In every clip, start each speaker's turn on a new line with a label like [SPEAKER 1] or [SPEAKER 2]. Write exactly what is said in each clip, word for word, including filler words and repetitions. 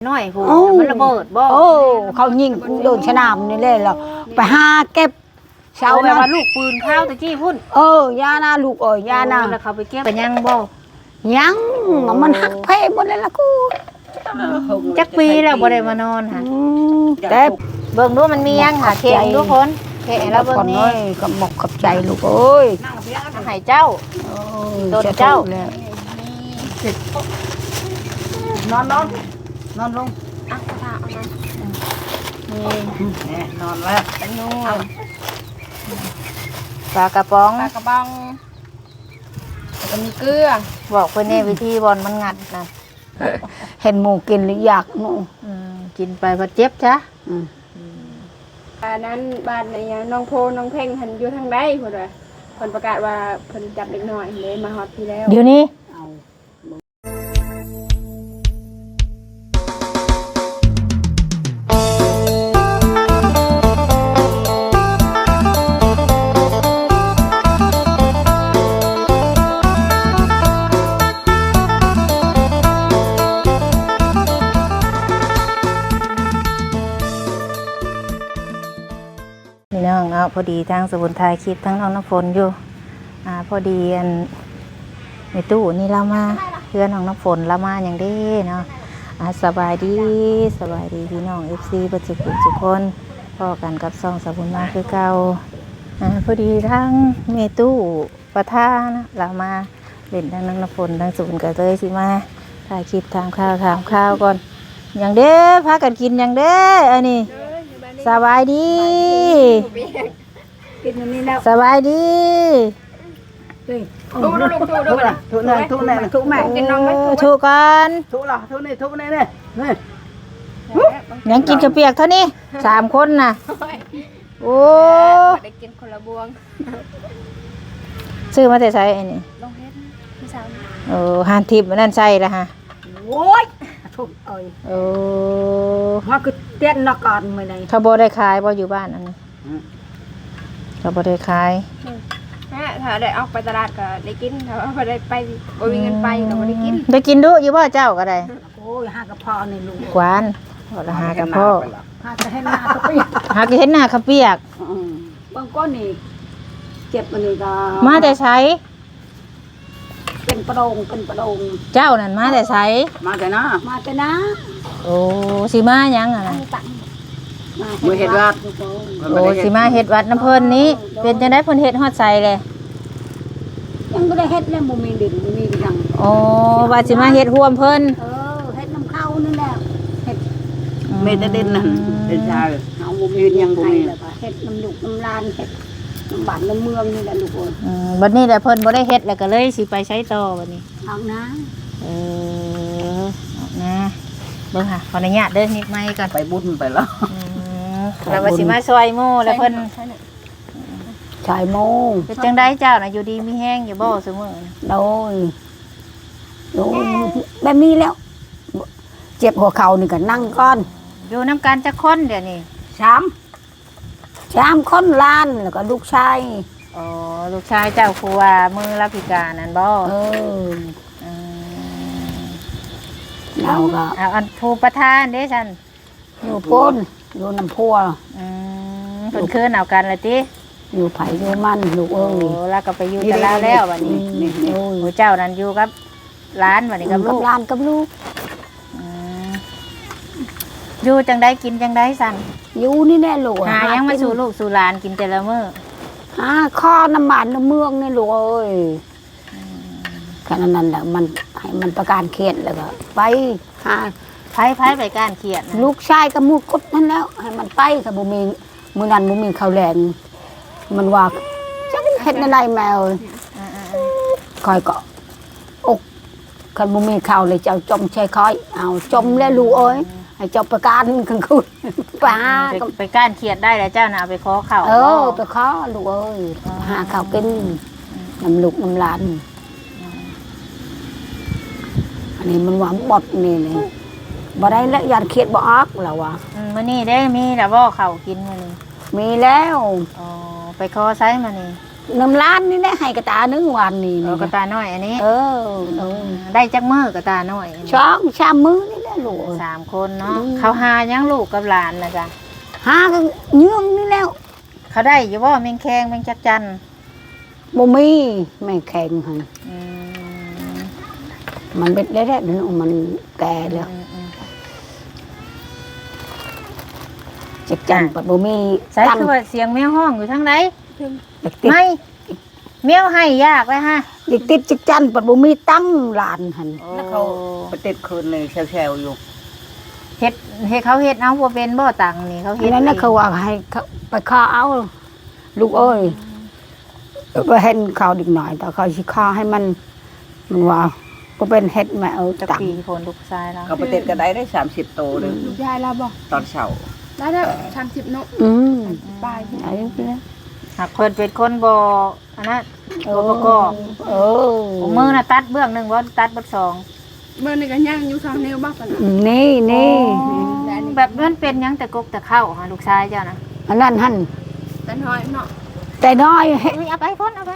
[SPEAKER 1] น้อยผู้มันระเบิดบ่
[SPEAKER 2] โอ้เขายิงโดนสนามนี่เลยแล้วไปหาเก็บเช้า
[SPEAKER 1] แล้ว
[SPEAKER 2] นะ
[SPEAKER 1] ว่าลูกปืนข้าวตะกี้พุ่น
[SPEAKER 2] เออยานาลูกเอ้ยยานา
[SPEAKER 1] แล้วเขาไปเก็บไปยังบ่
[SPEAKER 2] ยังมันหักเพหมดเลยล่ะกู
[SPEAKER 1] จักปีแล้วบ่ได้มานอนค่ะ
[SPEAKER 2] แต่
[SPEAKER 1] เบิ่งดูมันมียังค่ะเข่งทุกคนเข่งแล้วเบิ่งนี่
[SPEAKER 2] ก็หมกกับใจลูกเอ้ย
[SPEAKER 1] ให้เจ้าโดนเจ้าน
[SPEAKER 2] อนนอนนอนลง
[SPEAKER 1] อ่ะพาเอามา
[SPEAKER 2] นี่นอนแล้ว
[SPEAKER 1] นู่นปลากระป๋อง
[SPEAKER 3] ปลากระป๋องแล้วก็มีเกลือ
[SPEAKER 1] บอกเพิ่นแน่วิธีบอลมันงัดนะ
[SPEAKER 2] เห็นหมูกินหรืออยากหนู
[SPEAKER 1] กินไปพอเจ็บจ้ะ
[SPEAKER 3] บ้านนั้นบ้านไหนน้องโพน้องเพ่งหันอยู่ทางใดเพิ่นว่าเพิ่นประกาศว่าเพิ่นจับเด็กน้อยเลยมาฮอดพี่แล้ว
[SPEAKER 1] เดี๋ยวนี้พี่น้องเอาพอดีทางสมุนไพรคลิปทั้งน้องน้ำฝนอยู่อ่าพอดีอันในตู้นี่เรามาเพื่อนน้องน้ำฝนเรามาอย่างดีเนาะอ่าสบายดีสบายดีพี่น้องเอฟซีประจุกุทุกคนพ่อกันกับซองสมุนมาคือเก่าอ่าพอดีทั้งเมตู้ประท่านะเรามาเล่นทั้งน้องน้ำฝนทั้งสุนกันเลยสิมาถ่ายคลิปทำข้าวทำข้าวก่อนอย่างเด้อพากันกินอย่างเด้ออันนี้สบายดีสบายดี
[SPEAKER 3] ทุกลูกทุกลูกนะ
[SPEAKER 2] ทุกนี่ทุกนี่ทุกแม่
[SPEAKER 3] กินน้องไหม
[SPEAKER 1] ทุกกัน
[SPEAKER 2] ทุกหรอทุกนี่ทุกนี่นี่นี่
[SPEAKER 1] ยังกินกระเปียกเท่านี้สามคนน่ะโอ้
[SPEAKER 3] ได้กินคนละบวง
[SPEAKER 1] ซื้อมาแต่ใช้ไอ้นี่
[SPEAKER 3] ลงเฮ็ดพี่สาว
[SPEAKER 1] เออหานทิพย์นั่นใช่ละฮะ
[SPEAKER 2] โอ้ยทุกเอ้ย
[SPEAKER 1] โอ้
[SPEAKER 2] ว่าคือเตี้ยนนักการไม่ได้
[SPEAKER 1] เขาบ่ได้ขายบ่อยู่บ้านอันนี้เขาบ่ได้ขาย
[SPEAKER 3] ถ้าได้ออกไปตลาดก็ได้กินถ้าว่าได้ไปบ่มีเงินไปก็บ่ได้กิน
[SPEAKER 1] ได้กินดุอยู่บ่เจ้าก็ได้
[SPEAKER 2] โอ้ยหากระเพาะนี่ลูก
[SPEAKER 1] กวานบ่หากระเพาะ
[SPEAKER 2] หากระเห็นหน้ากระเปียก
[SPEAKER 1] หากเห็นหน้าเขาเปียก
[SPEAKER 2] บางก้อนนี่เจ็บมันนี่ก็
[SPEAKER 1] มาแต่ใช้
[SPEAKER 2] เป็นประดงเป็นประดง
[SPEAKER 1] เจ้านั่นมาแต่ใช้
[SPEAKER 2] มาแต่นะมาแต่นะ
[SPEAKER 1] โอ้สิมายังอ่ะนะ
[SPEAKER 2] มาเฮ็ดวัด
[SPEAKER 1] โอ้สิมาเฮ็ดวัดน้ำเพิ่นนี้เป็นจังได๋เพิ่นเฮ็ดฮอดใส่เลย
[SPEAKER 2] ยังบ่ได้เฮ็ดแล้วบ่มีดินบ่มีหยัง
[SPEAKER 1] อ๋อว่าสิมาเฮ็ดร่วมเพิ่น
[SPEAKER 2] เออเฮ็ดน้ำเข้านั่นแหละเฮ็ดเมตดินนั่นเป็นชาเฮาบ่มีหยังบ่มีแล้วก็เฮ็ดน้ำลูกน้ำลานเฮ็ดน้ำบ้านน้ำเมืองนี่แหละลูกเอ้ย
[SPEAKER 1] อืมบัดนี้แหละเพิ่นบ่ได้เฮ็ดแล้วก็เลยสิไปใช้ต่อบัดนี้
[SPEAKER 2] เอานะ
[SPEAKER 1] เออเอานะเบิ่งค่ะขออนุญาตเด้อนิดไม้ก่อน
[SPEAKER 2] ไปบุญไปแล้ว
[SPEAKER 1] แล้วว่าสิมาซอยหมู่แล้วเพิ่น
[SPEAKER 2] ชายโมง
[SPEAKER 1] เป็นจังได๋เจ้าน่ะอยู่ดีมีแห้งอยู่บ่ซุมื้อน่ะ
[SPEAKER 2] โดยโดยแบบนี้แล้วเจ็บหัวเข่านี่ก็นั่งก่อน
[SPEAKER 1] อยู่นำกันจักคนเดี๋ยวนี้
[SPEAKER 2] สามสามคนล้านแล้วก็ลูกชาย
[SPEAKER 1] อ๋อลูกชายเจ้าครูว่ามือรับพิการนั่นบ่
[SPEAKER 2] เออเราก็
[SPEAKER 1] เอาอันผู้ประธานเด้ซั่น
[SPEAKER 2] อยู่พ้นอยู่น้ำพัว
[SPEAKER 1] อืมเพิ่นคืนเอากันล่ะติ
[SPEAKER 2] อยู่ไผอยู่มันลูกเอ้ย
[SPEAKER 1] โอ้แล้วก็ไปอยู่กับเราแล้วบัดนี้โอ้เจ้านั่นอยู่กับหลานบัดนี้กับลูก
[SPEAKER 2] หลานกับลูก
[SPEAKER 1] อืมอยู่จังได๋กินจังได๋ซั่น
[SPEAKER 2] อยู่นี่แน่ลูก
[SPEAKER 1] หายังมาสู่ลูกสู่หลานกินแต่ละมื้อ
[SPEAKER 2] หาข้อน้ำมันน้ำเมืองนี่ลูกเอ้ยขนาดนั้นแหละมันให้มันประการเขตแล้วก็ไปหา
[SPEAKER 1] ไผไผไปการเขียน
[SPEAKER 2] ลูกชายกับมูกดนั่นแล้วให้มันไปกับบุมีมือนั้นบุมีข้าวแรงมันว่าจะเห็ดอะไรแมวคอยเกาะอกคันบุมีข้าวเลยเจ้าจมใช้คอยเอาจมแล้วลูกเอ้ยให้เจ้าประการกลางคืนไปหา
[SPEAKER 1] ไปการเขียนได้แล้วเจ้าน่ะไปขอข้าว
[SPEAKER 2] เออไปขอลูกเอ้ยหาข้าวกินน้ำลูกน้ำหลานอันนี้มันหวานบดนี่เลยบ่ได้แล้วยานเขียดบ่ออกแล้ววะ
[SPEAKER 1] มื้อนี้ได้มีแล้วบ่ข้าวกินมื้อนี้
[SPEAKER 2] มีแล้ว
[SPEAKER 1] อ๋อไปขอไสมื้อนี้
[SPEAKER 2] น้ำล้านนี่ได้ให้กระตาหนึ่งวันนี่
[SPEAKER 1] กระตาน้อยอันนี้
[SPEAKER 2] เออ
[SPEAKER 1] ได้จักมือกระตาน้อย
[SPEAKER 2] ช่องชามมือนี่แหละแล้วลูกเอ้ย
[SPEAKER 1] สามคนเนาะ
[SPEAKER 2] อืม
[SPEAKER 1] เขาหายังลูกกับหลานนะจ๊ะ
[SPEAKER 2] หากันเยื่องนี่แล้ว
[SPEAKER 1] เขาได้อยู่ว่าแมงแคงแมงจักจัน
[SPEAKER 2] บ่มีแม่แข็งหั่น
[SPEAKER 1] อืม
[SPEAKER 2] มันเป็นได้แล้วนี่มันแก่แล้ว
[SPEAKER 1] อืมอืม
[SPEAKER 2] จักจันปัดบ่มี
[SPEAKER 1] ใส่
[SPEAKER 2] ตั้ง
[SPEAKER 1] คือว่าเสียงแมวห้องอยู่ทางไหน
[SPEAKER 2] เด็กติด
[SPEAKER 1] ไม่แมวให้ยากเลยฮะ
[SPEAKER 2] เด็กติดจักจันปัดบ่มีตั้งหลานหั่น
[SPEAKER 4] แล้วเขาไปติดคืนเลยแชวๆอยู่
[SPEAKER 1] เฮ็ดเฮ็ดเขาเฮ็ดเอาบ่เป็นบ่ตังนี่เขา
[SPEAKER 2] อั
[SPEAKER 1] เฮ็
[SPEAKER 2] น
[SPEAKER 1] ด
[SPEAKER 2] นั้นน่ะเขาว่าให้เขาไปฆ่าเอาลูกเอ้ยไปเห็นเขาเด็กหน่อยแต่เขาสิฆ่าให้มันมันว่าบ่เป็นเฮ็ดแม่เอา
[SPEAKER 1] จัก
[SPEAKER 2] ตัง
[SPEAKER 1] ปีโพนลูกชายแล้ว
[SPEAKER 4] เขาไปติดก็ได้ได้สามสิบโตเลย
[SPEAKER 3] ลูกยายเราบ่
[SPEAKER 4] ตอนเช้า
[SPEAKER 3] ได้แล้วสามสิบเนาะ
[SPEAKER 2] อืม
[SPEAKER 3] บาย
[SPEAKER 2] ไอ้นี่นะ
[SPEAKER 1] หากเพิ่นเป็นคนบ่อันนั้นบ่ประกอบ
[SPEAKER 2] เออ
[SPEAKER 1] มือน่ะตัดเบื้องหนึงบ่ตัดเบิดสอง
[SPEAKER 3] เมื่อนี่ก็ย่างอยู่สองนิ้วบ้างกันนะ
[SPEAKER 2] นี่นี่
[SPEAKER 1] แบบนั้นเป็นหยังแต่กกแต่เข้าหาลูกชายเจ้านะ
[SPEAKER 2] อันนั้นหั่น
[SPEAKER 3] แต่น้อยเนาะ
[SPEAKER 2] แต่น้อยเฮ็ด
[SPEAKER 1] เอ้ยเอาไปพ่นเอาไป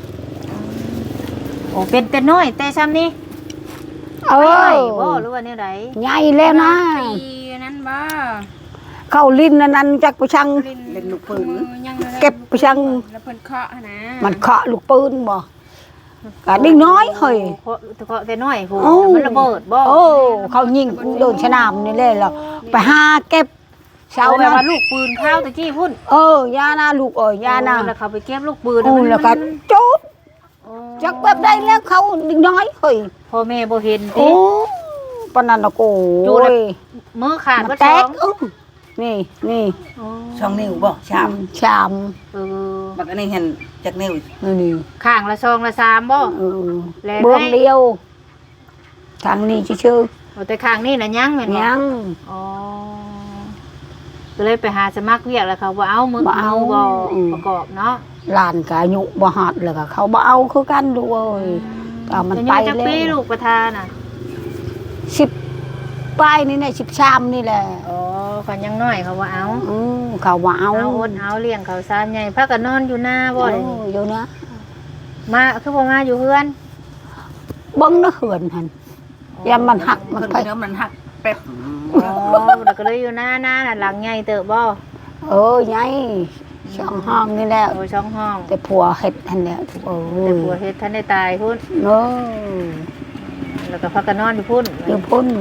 [SPEAKER 1] โอ้เป็นแต่น้อยแต่ซ้ำนี่
[SPEAKER 2] เอ
[SPEAKER 1] ไป
[SPEAKER 2] อ
[SPEAKER 1] ไหวบ่หรือว่าแนวใด
[SPEAKER 2] ใหญ่แล้วนะ
[SPEAKER 3] ปีนั้นบ่
[SPEAKER 2] เข้าลิ้นอันนั้นจักไปชัง
[SPEAKER 4] เล่นลูกปืน
[SPEAKER 3] ยัง
[SPEAKER 2] เก็บไปชัง
[SPEAKER 3] แล้วเพิ่นเคาะนะ
[SPEAKER 2] มันเคาะลูกปืนบ่ก็ดิ้งน้อยเฮ้ย
[SPEAKER 1] โอ้แต่ก็แต่น้อยผู้
[SPEAKER 2] โอ้
[SPEAKER 1] มันระเบิดบ่
[SPEAKER 2] โอ้เขายิงโดนสนามนี่เลยเหรอไปหาเก็บเช้า
[SPEAKER 1] เอาแบบ
[SPEAKER 2] นะ
[SPEAKER 1] ว่าลูกปืนเข้าวตะกี้พุ่น
[SPEAKER 2] เออยานาลูกเอ้ยยานา
[SPEAKER 1] แล้วเขาไปเก็บลูกปืน
[SPEAKER 2] โอ้แล้วก็จุด
[SPEAKER 1] โอ้
[SPEAKER 2] จักแบบได้แล้วเขาดิ้งน้อยเฮ้ย
[SPEAKER 1] พ่อแม่บ่เห็น
[SPEAKER 2] โอ้
[SPEAKER 1] ติ
[SPEAKER 2] ปานนั้นน่ะโอ้
[SPEAKER 1] จุดแล้ว
[SPEAKER 2] ย
[SPEAKER 1] มือขาด
[SPEAKER 2] มั
[SPEAKER 1] บ่
[SPEAKER 2] นแต
[SPEAKER 1] ท้อก ง
[SPEAKER 2] อื้อนี่นี่
[SPEAKER 1] โอ้
[SPEAKER 4] ช่องนิ้วบ่ชาม
[SPEAKER 2] ชาม
[SPEAKER 1] เออ
[SPEAKER 4] บักอันนี้เห็นจากนิ้ว
[SPEAKER 2] นี่นี่
[SPEAKER 1] ข้างละซองละสามบ่
[SPEAKER 2] เออ
[SPEAKER 1] แลก
[SPEAKER 2] เบื้อง
[SPEAKER 1] ให้
[SPEAKER 2] เดียวทางนี้ชื่อ
[SPEAKER 1] เอาแต่ข้างนี่น่ะยังแม่นบ่
[SPEAKER 2] ยัง
[SPEAKER 1] อ๋อก็เลยไปหาสมัครเวียกแล้วเขาบ่เอามือ
[SPEAKER 2] บ่เอา
[SPEAKER 1] มืบ่
[SPEAKER 2] อืม
[SPEAKER 1] ประกอบเนาะ
[SPEAKER 2] หลานกอายุบ่ฮอดเลยก็เขาบ่เอาคือกันดูเอ้ยเอามันไป
[SPEAKER 1] จัก
[SPEAKER 2] แล้ว
[SPEAKER 1] ปีลูกประธานน่ะ
[SPEAKER 2] สิบปลายนี่แหละสิบชามนี่แหละ
[SPEAKER 1] อ๋อคนยังน้อยเขาว่าเอา
[SPEAKER 2] อืมเขาบ่เอา
[SPEAKER 1] เอาอดเอาเลี้ยงเขาซานใหญ่พักก็นอนอยู่หน้าบ่
[SPEAKER 2] โอ้
[SPEAKER 1] เลย
[SPEAKER 2] อยู่นะ
[SPEAKER 1] มาคือบ่มาอยู่เพื่อน
[SPEAKER 2] เบิ่งนะเหือนหั่นยามมันหักมัน
[SPEAKER 4] เพิ่น
[SPEAKER 2] ไป
[SPEAKER 4] เนื้อมันหักแป๊บ
[SPEAKER 1] อ๋อแล้วก็เลยอยู่หน้าหน้าน่ะหลังใหญ่เติบบ่
[SPEAKER 2] เออไงช่องห้องนี่แหละ
[SPEAKER 1] โอ้ช่องห้อง
[SPEAKER 2] แต่ผัวเฮ็ดหั่นแหละโอ้
[SPEAKER 1] แต่
[SPEAKER 2] ย
[SPEAKER 1] ผัวเฮ็ดท่านได้ตายพุ่น
[SPEAKER 2] เนาะ
[SPEAKER 1] แล้วก็พักก็นอนอยู่พุ่น
[SPEAKER 2] อยู่พุ่น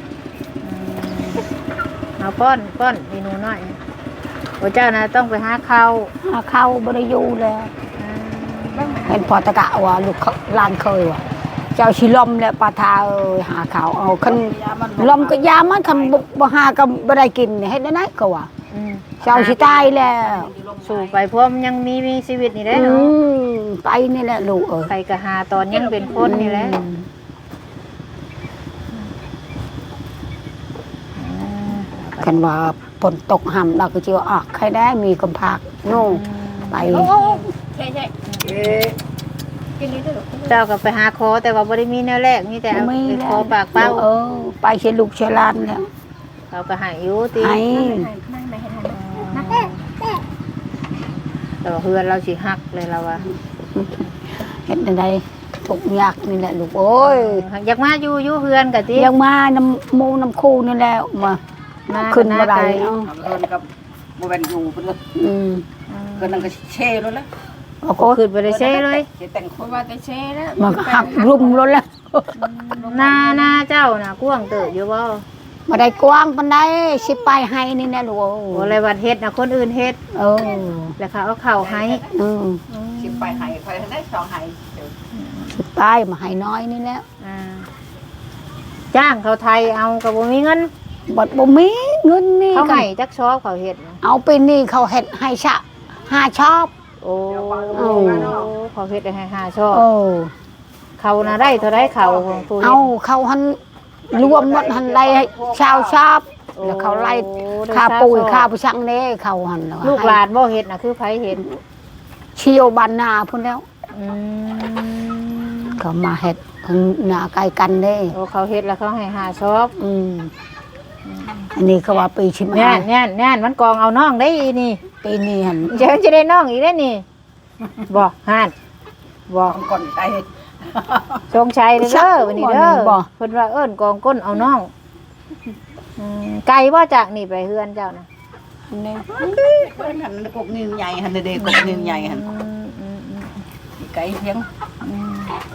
[SPEAKER 1] เอาป้อนป้อนเมนูน้อยโอ้เจ้านะต้องไปหาข้าว
[SPEAKER 2] หาเข้าบ่ได้อยู่แล้ว เห็นพอตะกะว่าลูกเขาหลานเคยว่าเจ้าชิลมและปลาทาเอ้ยหาข้าวเอาคันลมก็ยามันคันบ่บ่หาก็บ่ได้กินเฮ็ดได้ไหนก็ว่า
[SPEAKER 1] อืม
[SPEAKER 2] เจ้าสิตายแล้ว
[SPEAKER 1] สู่ไปพวกมันยังมีมีชีวิตนี่ได้
[SPEAKER 2] อื
[SPEAKER 1] เนาะ
[SPEAKER 2] มไปนี่แหละลูกเอ้ย
[SPEAKER 1] ไปก็หาตอนยังเป็นคนนี่แหละ
[SPEAKER 2] อืม คันว่าฝนตกห่ำเราก็จะว่าออกใครได้มีกำพักโน่ไป
[SPEAKER 3] ใช่ใช่กินนี้ด้วยหรอ
[SPEAKER 1] เจ้าก็ไปหาคอแต่ว่าบ่ได้มีแนวแรกมีแต่เอา
[SPEAKER 2] ไม่
[SPEAKER 1] ไป
[SPEAKER 2] แล้
[SPEAKER 1] คอ
[SPEAKER 2] ว
[SPEAKER 1] ปากเป้า
[SPEAKER 2] เออ ไปเชยลูกเชยหลานแล้ว
[SPEAKER 1] เขาก็ใหายอยู่ติ
[SPEAKER 2] ไอ้
[SPEAKER 3] นั่งไหนให้ทาน
[SPEAKER 1] แต่ว่าเพื่อนเราสิฮักเลยเราว่า
[SPEAKER 2] เห็นอะไรทุกข์ยากนี่แหละลูกโอ้ย
[SPEAKER 1] อยากมาอยู่อยู่เพื่อนก็ติ
[SPEAKER 2] ยังมาน้ำหมูน้ำคูนี่แหละมา
[SPEAKER 1] มา
[SPEAKER 2] ขึ้นมาได้
[SPEAKER 1] ไกล
[SPEAKER 2] เอา
[SPEAKER 4] เพิ่นกับบ่แม่นอยู่เพิ่นก็
[SPEAKER 2] อืม
[SPEAKER 4] เพิ่นนั่นก็เช่แล้วละ
[SPEAKER 2] โอ้
[SPEAKER 1] โอ้ขึ้นไปได้เซ่เลย
[SPEAKER 4] เช่แต่งค
[SPEAKER 3] เพราะ
[SPEAKER 4] น
[SPEAKER 3] ว่าแต่เช่แล้ว
[SPEAKER 2] มันก็หักรุมรถแล้ว
[SPEAKER 1] หน้าหน้าเจ้าน่ะกว้างเติบอยู่บ่
[SPEAKER 2] มาได้กว้างปันได้สิไปให้นี่แหละลูก
[SPEAKER 1] โอ้อะไรวัดเฮ็ดน่ะคนอื่นเฮ็ด
[SPEAKER 2] เออ
[SPEAKER 1] แล้วเขาเอาเข้าวให้
[SPEAKER 2] อืม
[SPEAKER 4] สิไปให้ใครได้สองให้เดี๋ยว
[SPEAKER 2] สิไปมาให้น้อยนี่แหละ
[SPEAKER 1] อ่าจ้างเขาไทยเอาก็บ่มีเงิน
[SPEAKER 2] บัดบ่มีเงินนี่
[SPEAKER 1] เขา
[SPEAKER 2] กั
[SPEAKER 1] ให้
[SPEAKER 2] น
[SPEAKER 1] จักชอบเขาเฮ็ดน่ะ
[SPEAKER 2] เอาไปนี่เขาเฮ็ดให้ชะห้าชอบ
[SPEAKER 1] โอ้
[SPEAKER 2] โอ้
[SPEAKER 1] เขาเฮ็ดให้หาชอบ
[SPEAKER 2] เออ
[SPEAKER 1] เขาน่ะได้เท่าไรเขาของผู้เฮ็
[SPEAKER 2] เอา
[SPEAKER 1] ด
[SPEAKER 2] เขาหันรวมหมดหันไล่ให้ชาวชอบแล้วเขาไล่
[SPEAKER 1] โอ้ได้
[SPEAKER 2] ค่าปุ๋ย
[SPEAKER 1] ชอบ
[SPEAKER 2] ค่าผู้ช่างเด้เขาหันแว
[SPEAKER 1] ลูกหลานบ่เฮ็ดน่ะคือไผเฮ็ด
[SPEAKER 2] เชียวบ้านนาพุ่นแล้ว
[SPEAKER 1] อืม
[SPEAKER 2] เขามาเฮ็ดข้างหน้าใกล้กันเด้
[SPEAKER 1] โอ้เขาเฮ็ดแล้วเขาให้หาชอบ
[SPEAKER 2] อืมอันนี้เขาว่าปีชิม
[SPEAKER 1] แน่
[SPEAKER 2] หาน
[SPEAKER 1] แน่นแน่นมันกองเอาน้องได้อีนี่
[SPEAKER 2] ปีนี้หัน
[SPEAKER 1] เดี๋ยวมันจะได้น้องอีกได้นี่บ่ห่านบ่
[SPEAKER 4] ก่อนไป
[SPEAKER 1] ชงชัยเด้อวันนี้เด้อเพิ่นว่าเอิ้นกองก้นเอาน้องอืมไกลบ่จากนี่ไปเฮือนเจ้านะ
[SPEAKER 2] นี่
[SPEAKER 4] เพิ่นหันกบนิ้วใหญ่หันเด็กกบนิ้วใหญ่หัน
[SPEAKER 1] อืมอืมอืม
[SPEAKER 4] ไก่เพียง
[SPEAKER 1] อืม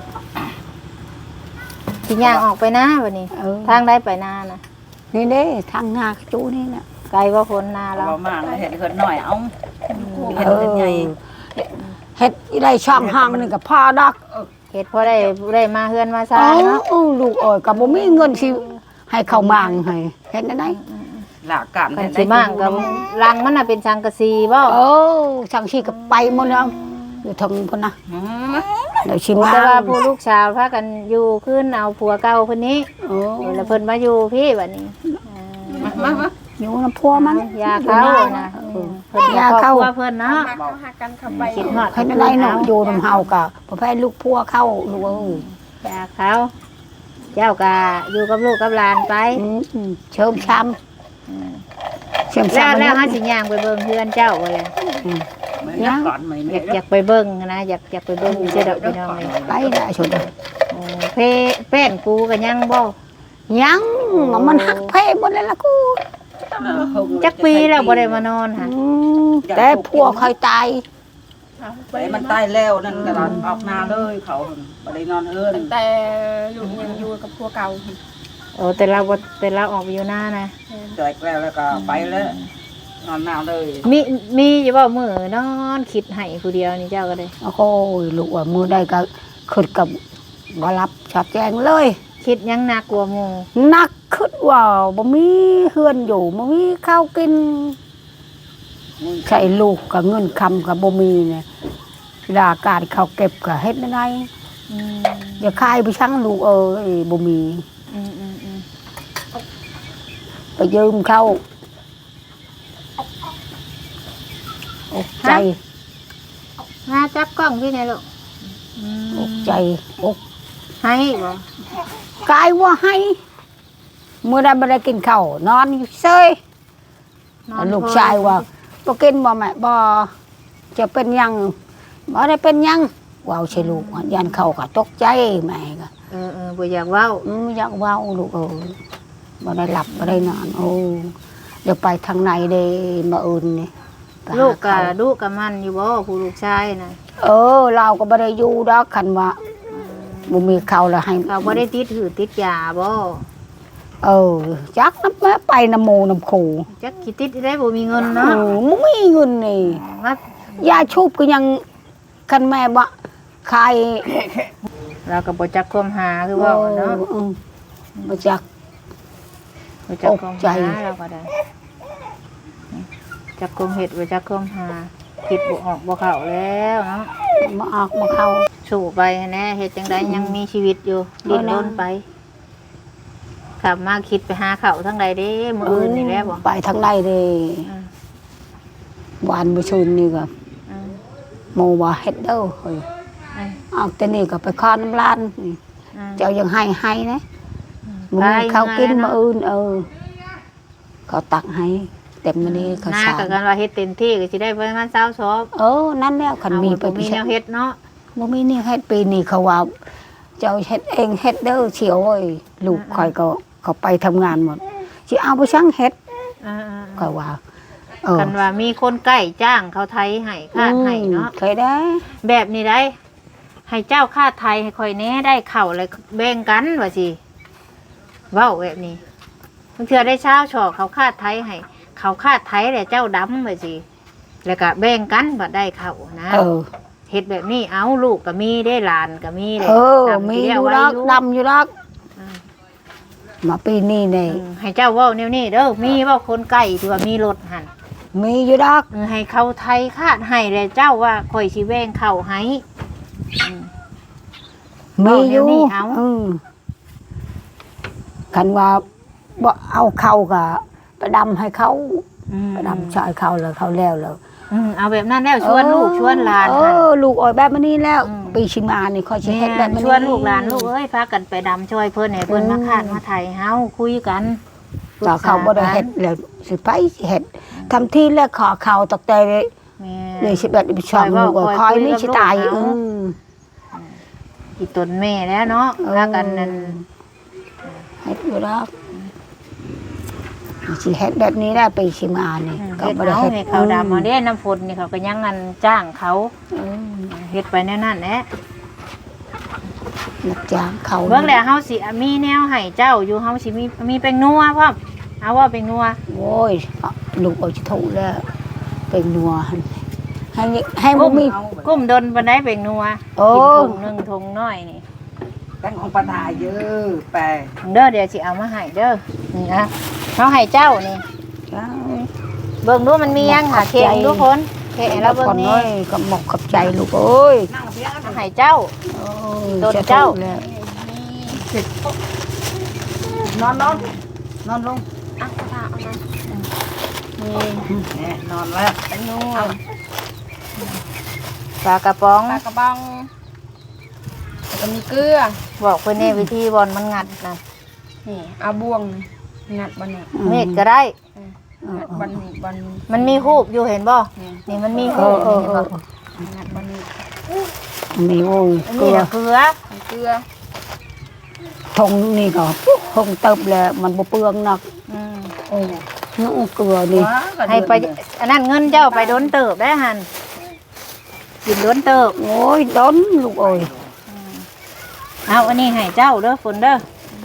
[SPEAKER 1] สิย่างออกไปนะบัดนี้
[SPEAKER 2] เออ
[SPEAKER 1] ทางได้ไปนานะ
[SPEAKER 2] นี่เด้ทางนาจูนี่น่ะ
[SPEAKER 1] ไกลบ่พ้นนาเรา
[SPEAKER 4] เรามากเลยเห็ดเห็ดหน่อยเอาเห็ด
[SPEAKER 2] เออ
[SPEAKER 4] เป็นใหญ่
[SPEAKER 2] เฮ็ดอีได้ช่องห้างนี่ก็พอดอก
[SPEAKER 1] เฮ็ดพอได้ได้มาเฮือนมาซ่า
[SPEAKER 2] เอ้า
[SPEAKER 1] เนาะ
[SPEAKER 2] ลูกเอ้ยก็บ่มีเงินสิให้เขามางให้เฮ็ดได้
[SPEAKER 4] หลากกาม
[SPEAKER 1] กันสิมากกับรังมันน่ะเป็นสังกะสีบ่
[SPEAKER 2] เออช่างชีก็ไปหมดแล้วอยู่ทางพุ่นนะเดี๋ยวชิมา
[SPEAKER 1] แต่ว่าผู้ลูกชาวพากันอยู่ขึ้นเอาผัวเก่าเพิ่นนี้
[SPEAKER 2] เออ
[SPEAKER 1] แล้วเพิ่นมาอยู่พี่บัดนี้
[SPEAKER 4] มามามา
[SPEAKER 2] อยู่น้ำพัวมัน
[SPEAKER 1] ยาเข้านะเพิ่น
[SPEAKER 2] ยาเข้า
[SPEAKER 1] ครอบครัวเพิ่นเนาะ
[SPEAKER 3] มาเข้าหากันเข้าไป
[SPEAKER 1] คิดฮอด
[SPEAKER 2] เฮ็ดได้เนาะอยู่น้ำเฮาก็บ่แพ้ลูกพัวเข้าลูกเอ้ย
[SPEAKER 1] ยาเข้าเจ้าก็อยู่กับลูกกับหลานไป
[SPEAKER 2] อืมเชิมช้ำเชิม
[SPEAKER 1] แล้ว
[SPEAKER 2] ช้ำ
[SPEAKER 1] แล้วเฮาสิย่างไปเบิ่งเฮือนเจ้าบ่เลย
[SPEAKER 4] ไม่ได้ก่อนไม่
[SPEAKER 1] อ
[SPEAKER 4] ได้
[SPEAKER 1] ยากอยากไปเบิ่งนะอยากอยากไปเบิ่งอยู่เด้อดอกพี่น้องนี่
[SPEAKER 2] ไปได้ชุด
[SPEAKER 1] โอ้เพแป้นกูก็ยังบ่
[SPEAKER 2] ยังมันหักเพหมดแล้วล่ะกู
[SPEAKER 1] จักปีแล้วบ่ได้มานอนค่ะ
[SPEAKER 2] อืมแต่พัวเคยตาย
[SPEAKER 4] แต่มันตายแล้วนั่นก็ออกนาเลยเขาบ่ได้นอนเฮือน
[SPEAKER 3] ตั้งแต่ลูกยังอยู่กับพัวเก่า
[SPEAKER 1] โอ้แต่เราบ่แต่เราออกไปอยู่หน้านะ
[SPEAKER 4] แจกแล้วแล้วก็ไปแล้วนอนนาเลย
[SPEAKER 1] มีมีอยู่บ่มื้อนอนคิดให้ผู้เดียวนี่เจ้าก็ได้
[SPEAKER 2] โอ้โหลูกว่ามือได้ก็ขึ้นกับบ่รับชอบแจงเลย
[SPEAKER 1] คิดยังหนักกว่าหมู่
[SPEAKER 2] นักขึ้นว่าบ่มีเฮือนอยู่บ่มีข้าวกินใช้ลูกกับเงินคำกับบ่มีเนี่ยเวลาการเขาเก็บก็เฮ็ดได้
[SPEAKER 1] อืม
[SPEAKER 2] อย่าคายไปช่างลูกเอ้ยบ่มี
[SPEAKER 1] อืมอืมอืม
[SPEAKER 2] ไปยืมเขาอกใจ
[SPEAKER 1] มาจับกล้องพี่ไหนลูกอืม
[SPEAKER 2] อกใจอก
[SPEAKER 1] ให้บ่
[SPEAKER 2] กายว่าให้เมื่อใดไม่ได้กินข้าวนอนอยู่เซย
[SPEAKER 1] นอน
[SPEAKER 2] ลูกชายว่าบ่กินบ่แม่บ่จะเป็นหยังบ่ได้เป็นหยังว้าวใช่ลูกยันเข้าก็ตกใจแม่ก็
[SPEAKER 1] เออเออบ่อยากเว้า
[SPEAKER 2] อืมอยากเว้าลูกเอ้ยบ่ได้หลับบ่ได้นอนโอ้เดี๋ยวไปทางไหนเด้มาอื่นนี่ไปหา
[SPEAKER 1] ลูกก็
[SPEAKER 2] เขา
[SPEAKER 1] ลูกก็มันอยู่บ่ผู้ลูกชายน่ะ
[SPEAKER 2] เออเราก็บ่ได้อยู่ดอกคันว่าบ่มีข้าวแล้วให้
[SPEAKER 1] เขาบ่ได้ติดหือติดยาบ่
[SPEAKER 2] เออจักน้ำแม่ไปน้ำโมน้ำโค
[SPEAKER 1] จักสิติดได้บ่มีเงิน
[SPEAKER 2] เอ
[SPEAKER 1] เนาะ
[SPEAKER 2] อบ่มีเงินนี่
[SPEAKER 1] มาย
[SPEAKER 2] าชุบก็ยังคันแม่บ่ขาย
[SPEAKER 1] เราก็บ่จักความหาคือเว่าเนาะ
[SPEAKER 2] ออบ่จัก
[SPEAKER 1] บ่จักความ
[SPEAKER 2] ตกใจ
[SPEAKER 1] หาเราก็ได้จักความเฮ็ดบ่จักความหาคิดบ่ออกบ่เข้าแล้วเนาะ
[SPEAKER 2] บ่ออกบ่เข้า
[SPEAKER 1] สู้ไปแน่เฮ็ดจังได๋ยังมีชีวิตอยู่ดิ้นรนไปขับมาคิดไปหาข้าวทางใดเด้มื้ออื่นนี่แหละบ่
[SPEAKER 2] ไปทางใดเด้
[SPEAKER 1] อืม
[SPEAKER 2] วานบ่ชุนนี่ก็
[SPEAKER 1] อืม
[SPEAKER 2] โมว่าเฮ็ดเด้อเฮ้ย
[SPEAKER 1] อืม
[SPEAKER 2] ออกแต่นี่ก็ไปคอน้ำลานนี่
[SPEAKER 1] อืม
[SPEAKER 2] เจ้ายังให้ให้นะมึงมีข้าวกินมื้ออื่นเออเขาตักให้เต็มมื้อนี้เขา
[SPEAKER 1] หน้า
[SPEAKER 2] สา
[SPEAKER 1] ก็
[SPEAKER 2] ร
[SPEAKER 1] กันว่าเฮ็ดเต็มที่ก็สิได้ประมาณ20ซอบ
[SPEAKER 2] เออนั่นแล้วคันมีไป
[SPEAKER 1] เอาบ่มี
[SPEAKER 2] พิ
[SPEAKER 1] แนวเฮ็ดเนาะ
[SPEAKER 2] บ่มีนี่เฮ็ดปีนี้เขาว่า เจ้าเฮ็ดเองเฮ็ดเด้อเฉียวเอ้ยลูกข่อยก็เขาไปทำงานหมดสิเอาไปช่างเฮ็ด
[SPEAKER 1] อ่า
[SPEAKER 2] ก็ว่าเอ
[SPEAKER 1] ๆ
[SPEAKER 2] อ
[SPEAKER 1] กันว่ามีคนใกล้จ้างเขาไทยให้ค่าให้เนาะ
[SPEAKER 2] เคยได้
[SPEAKER 1] แบบนี้ได้ ให้เจ้าค่าไทยให้คอยแหน่ได้เข่าเลยแบ่งกันว่าสิเว้าแบบนี้บางเทื่อได้เช้าชอกเขาค่าไทยให้เขาค่าไทยแต่เจ้าดำว่าสิแล้วก็แบ่งกันบ่ได้เข่านะ
[SPEAKER 2] เออ
[SPEAKER 1] เฮ็ดแบบนี้เอาลูกก็มีได้หลานก็มีเลย
[SPEAKER 2] เออ
[SPEAKER 1] ดำ
[SPEAKER 2] มี
[SPEAKER 1] ที่
[SPEAKER 2] อ
[SPEAKER 1] เรีก
[SPEAKER 2] ยู่
[SPEAKER 1] ไว้
[SPEAKER 2] ดอกดำอยู่ดอก
[SPEAKER 1] อืม
[SPEAKER 2] มาปีนี้นี่
[SPEAKER 1] อืมให้เจ้าเว้าแนวนี้เด้อมีเว้าคนใกล้ที่ว่ามีรถหั่น
[SPEAKER 2] มีอยู่ดอก
[SPEAKER 1] เออให้เขาไทยคาดให้เลยเจ้าว่าคอยสิแบ่งเข้าให้อืม
[SPEAKER 2] มีอยู่
[SPEAKER 1] เอาแนวนี้เอา
[SPEAKER 2] อืมคันว่าบ่เอาเข้าก็ไปดำให้เขา
[SPEAKER 1] อืม
[SPEAKER 2] ไปดำชายเขาแล้วเขาแล้วแล้ว
[SPEAKER 1] อืมเอาแบบนั้นแล้วชวนลูกชวนหลาน
[SPEAKER 2] เอ
[SPEAKER 1] หั่น
[SPEAKER 2] อลูกอ่อยแบบนี้แล้ว
[SPEAKER 1] อืม
[SPEAKER 2] ปีชิมานี่ค่อยสิ
[SPEAKER 1] แม่
[SPEAKER 2] เฮ็ดแบบนี้
[SPEAKER 1] ชวนลูกหลานลูกเอ้ยพากันไปดำช่วยเพิ่นให้เพิ่น
[SPEAKER 2] อืม
[SPEAKER 1] มาคาดมาไทยเฮาคุยกัน
[SPEAKER 2] ต่อเขาบ่ได้เฮ็ดแล้วสิไปสิเฮ็ดทำที่แล้วขอเขาตกแต่
[SPEAKER 1] แม่
[SPEAKER 2] เลยสิแบบอีช่องลูกก็คอยนี่สิตายอืม
[SPEAKER 1] อีตนแม่แล้วเนาะพากันนั่น
[SPEAKER 2] เฮ็ดอยู่ดอกสิเฮ็ดแบบนี้ได้ไปสิมานี่
[SPEAKER 1] เฮ็ดเอาให้เขาดำเอาเด้น้ำฝนนี่เขาก็ยังงันจ้างเขา
[SPEAKER 2] เออ
[SPEAKER 1] เฮ็ดไปแนวนั้นแหละ
[SPEAKER 2] นักจ้างเขา
[SPEAKER 1] เบิ่งแล้วเฮาสิมีแนวให้เจ้าอยู่เฮาสิมีมีเป็นนัวพร้อมเอาว่าเป็นนัว
[SPEAKER 2] โอ้ยลูกเอาจะถูกแล้วเป็นนัวหั่นให้ให้บ่
[SPEAKER 1] กุ้ม
[SPEAKER 2] มี
[SPEAKER 1] กุ้มดนปานใดเป็นนัว
[SPEAKER 2] โอ้
[SPEAKER 1] กินถุงหนึงถุงน้อยนี่
[SPEAKER 4] ตั้งของปัญหาเยอะแปล
[SPEAKER 1] เด้อเดี๋ยวสิเอามาให้เด้อนี่นะเฮาให้เจ้านี่
[SPEAKER 2] จ้า
[SPEAKER 1] เบิ่งดูมันมียังหาเค้กทุกคนเค้กให้เราเบิ่งนี่
[SPEAKER 2] อ้ยก็หมกกับใจลูกเอ้ย
[SPEAKER 4] นั่งเพียง
[SPEAKER 1] เอาให้เจ้า
[SPEAKER 2] โอ้ย
[SPEAKER 1] โดนเจ้า
[SPEAKER 2] แล้ว
[SPEAKER 4] นอนนอนนอนลง
[SPEAKER 3] อ่ะกระทะเอามา
[SPEAKER 1] นี่
[SPEAKER 4] เนี่ยนอนแล้ว
[SPEAKER 3] เป็นนัว
[SPEAKER 1] ปลากระป๋อง
[SPEAKER 3] ปลากระบองแล้วก็มีเกลือ
[SPEAKER 1] บอกเพิ่นแน่วิธีบอลมันงัดนะ
[SPEAKER 3] นี่เอาบ่วงงัดบนนี่
[SPEAKER 1] เม็ดก็ได้
[SPEAKER 3] งัดบนนี่บน
[SPEAKER 1] มันมีฮูบอยู่เห็นบ่นี่มันมี
[SPEAKER 2] เอ
[SPEAKER 1] ฮู
[SPEAKER 2] อบ เออเออ
[SPEAKER 3] งัดบนนี่
[SPEAKER 2] มีโอ้ย
[SPEAKER 1] อัน
[SPEAKER 2] เกลื
[SPEAKER 1] นี้
[SPEAKER 2] อ
[SPEAKER 1] น่ะเกลือ
[SPEAKER 3] เกลือ
[SPEAKER 2] ทงนี่ก็คงเติบแล้วมันบ่เปลืองนัก
[SPEAKER 1] อืม
[SPEAKER 2] โอ้น้องเกลือนี่
[SPEAKER 1] ให้ไปอันนั้นเงินเจ้าไปโดนเติบได้หั่นกินโดนเติบ
[SPEAKER 2] โอ้ยดนลูกเอ้ย
[SPEAKER 1] เอาอันนี้ให้เจ้าเด้อฝนเด้อ